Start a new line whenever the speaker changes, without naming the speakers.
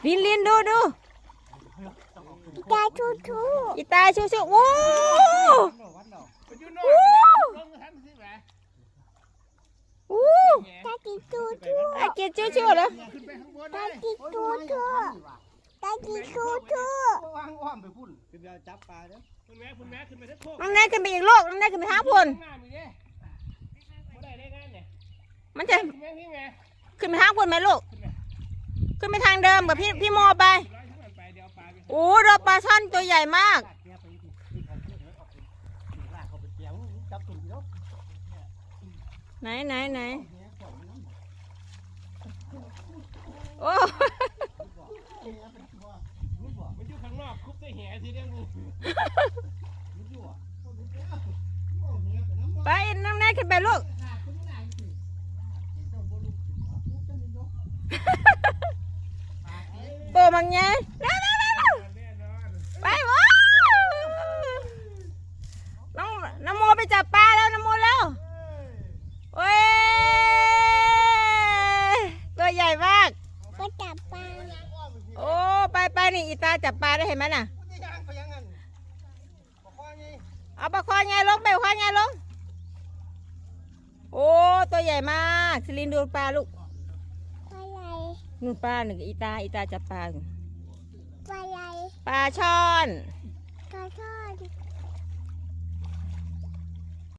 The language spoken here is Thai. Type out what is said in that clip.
ลินดู
ตาชูชู
อีตาชูโอ้โอ้
ตากินชูชู
ตาเกียรชูแล้ว
ตากินชูชูตากินชูชู
วางอ้อมไปพุ่นขึ้นไปจับปลาเด้อคุณแม่ขึ้นไปได้พวก
น้องนายขึ้นไปอีกโลกน้องนายขึ้นไปหาพลมันจะขึ้นไปหาพลไหมลูกขึ้นไปทางเดิมกับพี่โมไปโอ้ดอกปลาช่อนตัวใหญ่มากไหนโอ้
มันอยู่ข้างนอกคุบได้แห่ทีเดียวงู
ไปน้องนายขึ้นไปลูกโปมังไงไปว้าวน้ำโมไปจับปลาแล้วน้ำโมแล้วโอ้ยตัวใหญ่มาก
ก็จับปลา
โอ้ไปนี่อีตาจับปลาได้เห็นไหมน่ะเอาปลาคอไงลงไปปลาคอไงลงโอ้ตัวใหญ่มากซิลินดูปลาลูก
อะไร
นู่นปลาหนึ่งอีตาจับปลา
อะไร
ปลาช่อน
กระทอด